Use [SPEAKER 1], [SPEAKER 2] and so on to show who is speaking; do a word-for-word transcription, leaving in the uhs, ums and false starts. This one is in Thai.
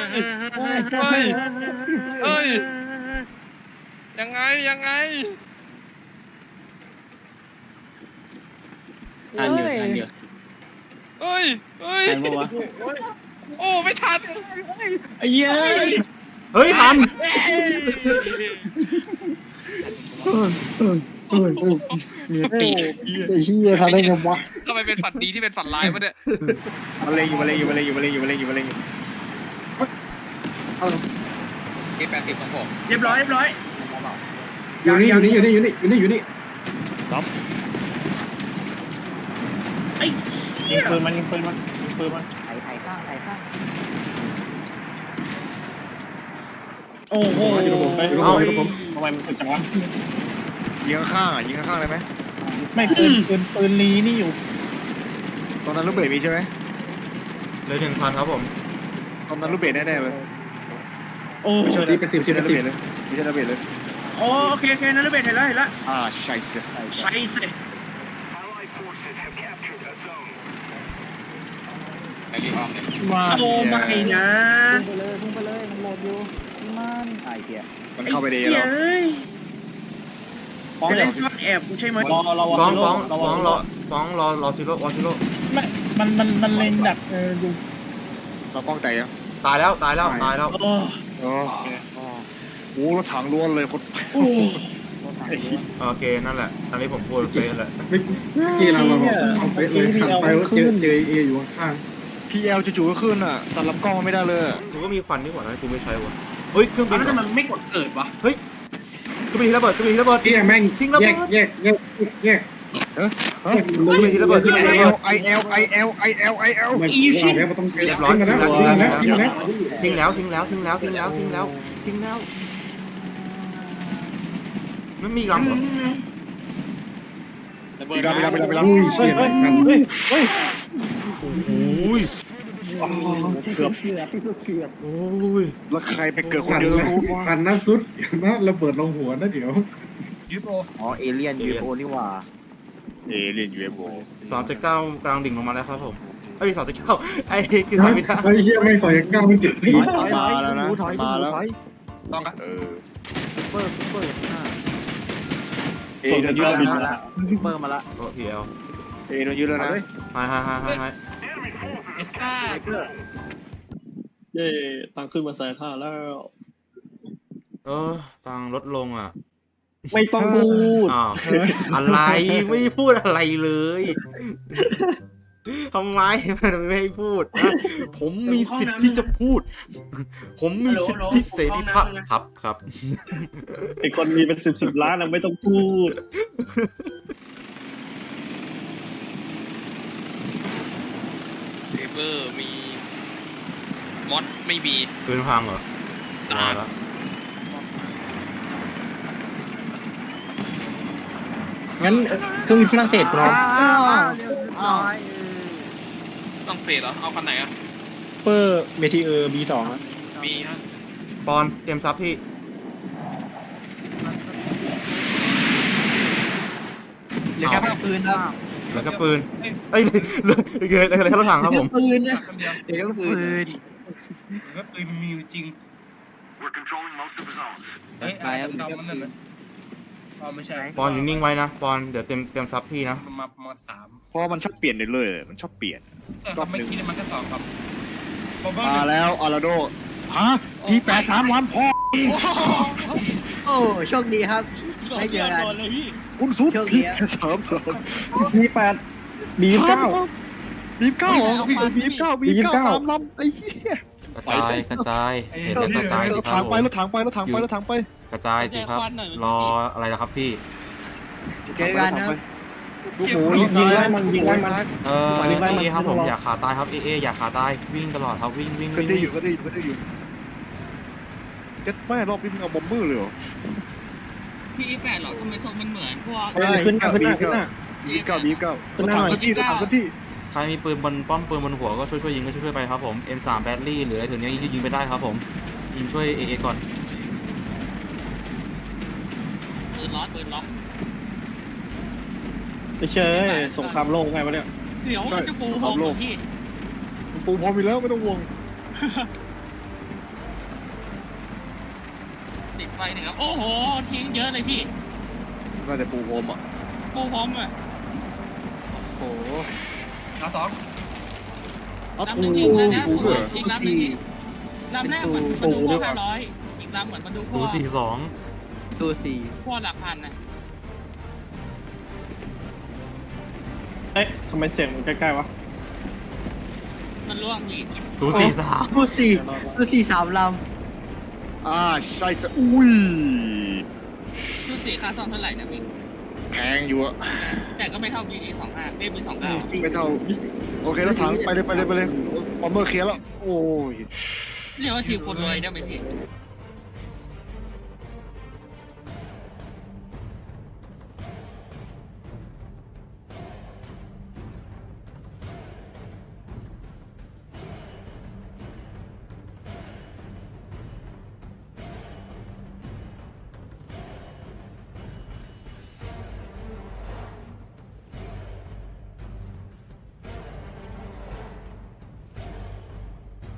[SPEAKER 1] เฮ้ยเฮ้ยยังไงยังไง
[SPEAKER 2] ทันอยู่ทันอยู่
[SPEAKER 1] เฮ้ยเฮ้ย
[SPEAKER 2] ทันปะวะ
[SPEAKER 1] โอ้ไม่ทัน
[SPEAKER 2] ไอ้เหี้ย
[SPEAKER 3] เฮ้ยทันมีปีไอ้เหี้ยทำได้ไงวะ
[SPEAKER 1] ทำไมเป็นฝันดีที่เป็นฝันร้ายวะเนี่ย
[SPEAKER 3] มาเลยอยู่มาเลยอยู่มาเลยอยู่มาเลยอยู่มาเลยอยู่มาเลยอยู่
[SPEAKER 1] เอแปดสิบของผม
[SPEAKER 4] เรียบร้อยเรียบร้อย
[SPEAKER 3] อยู่นี่อยู่นี่อยู่นี่อยู่นี่อยู่นี่อยู่นี่
[SPEAKER 4] ไอ้
[SPEAKER 2] ยิ
[SPEAKER 4] เหี้
[SPEAKER 2] ง
[SPEAKER 4] ย
[SPEAKER 2] ปืนมันยิงปืนมันยิงปืนมัน
[SPEAKER 4] โอ้โห
[SPEAKER 3] อยู่กับผมไปอยู่กับ
[SPEAKER 2] เอ้า
[SPEAKER 3] ผมอยู่กับผม
[SPEAKER 2] ทำไมมันสุดจังวะ
[SPEAKER 5] ยิงข้างๆอ่ะยิงข้างๆได้ไหม
[SPEAKER 2] ไม่ปืนปืนปืนลีนี่อยู่
[SPEAKER 5] ตอนนั้นลูกเบสมีใช่ไหม
[SPEAKER 3] เลยหนึ่งพันครับผม
[SPEAKER 5] ตอนนั้นลูกเบสแน่ๆเลย
[SPEAKER 4] โอ้
[SPEAKER 3] ไม่ใช่ดีเป็นสิบ
[SPEAKER 5] ไม่
[SPEAKER 3] สิบ
[SPEAKER 5] ใช่
[SPEAKER 3] เป็น
[SPEAKER 5] ลูก
[SPEAKER 3] สิ
[SPEAKER 5] เบส
[SPEAKER 3] บ
[SPEAKER 5] เลยไม่ใช่ลูกเบสเลย
[SPEAKER 4] โอเคโอเคนั่นระเบิดเห็นแล้วเห็นแล้ว
[SPEAKER 5] อ่าใช่เสีย
[SPEAKER 4] ใช่สิ
[SPEAKER 1] ไอ้รีออมเนี่ย
[SPEAKER 2] มา
[SPEAKER 4] โอ้ไม่นะ
[SPEAKER 6] พุ่งไปเลยพุ่งไปเลยมันโหลดอยู่มันไอ้เหี้ย
[SPEAKER 5] มันเข้าไปดี
[SPEAKER 4] ไอ้
[SPEAKER 5] แล้ว
[SPEAKER 4] เอ้ย
[SPEAKER 2] ฟ้อง
[SPEAKER 4] จะ
[SPEAKER 2] เดี๋
[SPEAKER 4] เล่
[SPEAKER 2] ยวน
[SPEAKER 4] ซ่อนแอบกูใช่ไหม
[SPEAKER 2] รอรอ
[SPEAKER 3] ฟ้อง
[SPEAKER 2] ร
[SPEAKER 3] ฟ้อง
[SPEAKER 2] ร
[SPEAKER 3] ฟ้องรอฟ้องรอรอซิโร่รอซิโร่
[SPEAKER 2] ไม่มันมันมันเล็งดักเอออยู่
[SPEAKER 5] เราป้องใจยัง
[SPEAKER 3] ตายแล้วตายแล้วตายแล้ว
[SPEAKER 4] โอ้
[SPEAKER 5] อ๋อโอ้รถถังล้วนเลยคน
[SPEAKER 4] โอ้
[SPEAKER 3] โอเคนั่นแหละอันนี้ผมพูดเป๊ะแหละ
[SPEAKER 7] เมื่อกี้เราเราเอาไปเลยหันไปว่าเจอเจอเออยู่ข้าง
[SPEAKER 5] พีเอลจู่ๆก็ขึ้นอ่ะตัดลำกล้องไม่ได้เลย
[SPEAKER 3] กูก็มีควันนี่หว่านะกูไม่ใช้วะเฮ้ยเครื่องบิ
[SPEAKER 4] แล้ว
[SPEAKER 3] น
[SPEAKER 4] ทำไมมันไม่กดเกิดวะ
[SPEAKER 3] เครื่องบินทีระเบิดเครื่องบินทีระเบิด
[SPEAKER 7] ๆที่แม่ง
[SPEAKER 3] ทิ้งระ
[SPEAKER 7] แย
[SPEAKER 3] เบิ
[SPEAKER 7] ก
[SPEAKER 3] ด
[SPEAKER 7] แยกแยกแยก
[SPEAKER 5] เออ
[SPEAKER 7] แยก
[SPEAKER 3] เครื่องบินทีระเบิดเครื่องบินทีระเบิด
[SPEAKER 5] ไอเอลไอเอลไอเอลไอเอล
[SPEAKER 7] เหมือนว่าแล้วมันต้องเจอทิ้งมาแล้วทิ้งมาแล้วทิ้งมาแล้ว
[SPEAKER 3] ทิ้งแล้วทิ้งแล้วทิ้งแล้วทิ้งแล้วทิ้งแล้วทิ้งแล้วไม่มีลำเหรอ
[SPEAKER 5] ไปรับไปรับไปรับไปรับ
[SPEAKER 7] อุ้ยเชี่ยกัน
[SPEAKER 3] โอ้ย
[SPEAKER 2] เกือบ
[SPEAKER 6] เกือบที่สุดเกือบ
[SPEAKER 3] โอ้ย
[SPEAKER 5] แล้วใครไปเกิดคน
[SPEAKER 7] กัน
[SPEAKER 5] เดียว
[SPEAKER 7] นะ
[SPEAKER 5] รู้ว่า
[SPEAKER 7] กันนะสุดนะระเบิดลงหัวนะเดี๋ยว
[SPEAKER 6] อ๋อเอเลี่ยนยูโอนี่หว่า
[SPEAKER 5] เอเลียนยูเอฟโอ
[SPEAKER 3] สามสิบเก้ากลางดิ่งลงมาแล้วครับผมเอ้ยสามสิบเก้าไอ้คือสามพิธา
[SPEAKER 7] ไอ้เหี้ยไม่ใส่ก้าวไม่จิตที่
[SPEAKER 6] ถอยถอยถอยดูถอยดูถอย
[SPEAKER 5] เออ
[SPEAKER 6] ซุปเปอร์ซุปเปอร์ห้า
[SPEAKER 5] เอ
[SPEAKER 2] ส่ง
[SPEAKER 5] โดนยึ
[SPEAKER 2] ย
[SPEAKER 5] ด
[SPEAKER 2] อด
[SPEAKER 5] แล้ว
[SPEAKER 2] บิน
[SPEAKER 5] นะ
[SPEAKER 2] มาละ
[SPEAKER 6] ซุปเปอร์มาละ
[SPEAKER 3] โอ้พีเอล
[SPEAKER 5] เอโดนยึดแล้วนะ
[SPEAKER 3] ไฮไฮไฮไฮไฮ
[SPEAKER 1] เอซ่า
[SPEAKER 2] เย่ตังขึ้นมาใส่ท่าแล้ว
[SPEAKER 3] เออตังลดลงอ่ะ
[SPEAKER 2] ไม่ต้องพูด
[SPEAKER 3] อ้าวอะไรไม่พูดอะไรเลยทำไมมันไม่ให้พูดนะผมมีสิทธิ์ที่จะพูด ผมมีสิทธิเสรีภาพครับครับ
[SPEAKER 2] ไอคนมีเป็นสิบสิบล้านนะไม่ต้องพูด
[SPEAKER 1] เซเบอร์มีมอดไม่มี
[SPEAKER 3] ปืนพังเหรอมาแล้ว
[SPEAKER 2] งั้นเครื่องบินฝรั่งเศสพร้อม
[SPEAKER 1] ต้องเฟดเหรอเอาคันไหนอ่ะ
[SPEAKER 2] เปอร์เมทีเออร์บีสอง
[SPEAKER 1] มีฮะ
[SPEAKER 3] ปอนเตรียมซับพี่
[SPEAKER 4] เหลือแค่ภาพปืนนะ
[SPEAKER 3] แล้วก็ปืนเอ้ยเหลือเหลืออะไรแค่รถถังครับผม
[SPEAKER 4] ปืนนะเดี๋ยวปืน
[SPEAKER 8] ก็ปืนมันมีอยู่จริง เฮ้ยอะไรดำๆมันนั่นนะอ๋อไม่ใช่
[SPEAKER 3] ปอนอยู่นิ่งไว้นะปอนเดี๋ยวเตรียมเตรียมซับพี่นะ
[SPEAKER 8] มันมามาสาม
[SPEAKER 5] เพราะมันชอบเปลี่ยนเรื่อยๆมันชอบเปลี่ยน
[SPEAKER 8] แต่ครับไม่คิดเลยมันก็สองครับพอเบิ้
[SPEAKER 5] มาแล้วอาราโดฮะพีแปดสามวันพ่อ
[SPEAKER 4] โอ้โชคดีครับไม่เจอกัน
[SPEAKER 5] คุณซุป
[SPEAKER 4] โชคดี
[SPEAKER 5] พี
[SPEAKER 4] อะ
[SPEAKER 5] สามสาม
[SPEAKER 2] บีแปดบีเก้า
[SPEAKER 5] บีเก้าเหรอบีเก้าบีเก้าสามลำไอ้เหี้ย
[SPEAKER 3] กระจายกระจายเห็นแล้วกระจายสิ
[SPEAKER 5] รถ
[SPEAKER 3] ครั
[SPEAKER 5] ถั
[SPEAKER 3] บ
[SPEAKER 5] ง
[SPEAKER 3] ผ
[SPEAKER 5] ไป
[SPEAKER 3] ม
[SPEAKER 5] รถถังไปรถถังไปรถถังไป
[SPEAKER 3] กระจายสิครับรออะไรนะครับพี่
[SPEAKER 4] เจอกันนะ
[SPEAKER 2] โอ้โหยิงไล่มันยิงไล่มัน
[SPEAKER 3] เออเอครับผมอยากขาตายครับเอเออยากขาตายวิ่งตลอดครับวิ่งวิ่ง
[SPEAKER 5] ก็
[SPEAKER 3] วิ่ง
[SPEAKER 5] ได้อยู่ก็ได้อยู่ก็ได้อยู่เจ็ดแม่รอบนี้มึงเอาบอมเบอร์เลยเหรอ
[SPEAKER 1] พี่อีแปดหรอทำไมทรงมันเหมือนพวก
[SPEAKER 2] เอ้ยขึ้นหน้าขึ้นหน้าขึ้นหน้า
[SPEAKER 5] บีเก้าบีเก้า
[SPEAKER 2] ขึ้นหน้าหน่อย
[SPEAKER 5] รถถังที่รถถังที่
[SPEAKER 3] ใครมีปืนบนป้อมปืนบนหัวก็ช่วยช่วยยิงก็ช่วยช่วยไปครับผม เอ็ม สาม แบตลี่หรืออะไรถึงนี้ยิงไปได้ครับผมยิงช่วยเอเอก่อน
[SPEAKER 1] ปืนล็อตปืนล็อต
[SPEAKER 2] ไม่เชยสงครามโลกไงวะเนี่ย
[SPEAKER 1] เสียวจะฟูโฮมพี่
[SPEAKER 5] ปูพร้อมอยู่แล้วไม่ต้องห่วง
[SPEAKER 9] ติดไฟหนึ่งครับโอ้โหทิ้งเยอะเลยพี่
[SPEAKER 5] น่าจะปูพรมอ่ะ
[SPEAKER 9] ปูพร้อมอ่ะ
[SPEAKER 4] โอ้โห
[SPEAKER 8] ดาวสอง
[SPEAKER 5] เอา
[SPEAKER 9] ลำห
[SPEAKER 5] ปู
[SPEAKER 9] นึ่งทิ้งแล้วนะ
[SPEAKER 5] ปูด้วย
[SPEAKER 9] อีกลำหนึ่งลำแรกเหมือนบรรทุกพ่อห้าร้อยอีกลำเหมือนบรรทุกพ่
[SPEAKER 3] ตู
[SPEAKER 9] อ
[SPEAKER 3] สี่สอง
[SPEAKER 4] ตัวสี่
[SPEAKER 9] พ่อหลักพันนะ
[SPEAKER 2] เอ๊ะทำไมเสียงมันใกล้ๆวะ
[SPEAKER 9] มันร่วงพี่
[SPEAKER 3] ตูสี่สาม
[SPEAKER 4] ตัวสี่ตัวสี่สามล
[SPEAKER 5] อ่าใช่สะอุ้ย
[SPEAKER 9] ชุดสีค่าซ่อมเท่าไหร่นะพี่
[SPEAKER 5] แพงอยู่อะ
[SPEAKER 9] แต่ก็ไม่เท่า บี ดี สองห้าเอ้ย บี สอง
[SPEAKER 4] ำ
[SPEAKER 9] เก้า
[SPEAKER 5] ไม่เท่า โอเคแล้วถังไปเลยไปเลยไปเลยบอมเบอร์เคลียร์แล้ว โอ้ย
[SPEAKER 9] เรียกว่าทีมคนรวยได้ไหมพี่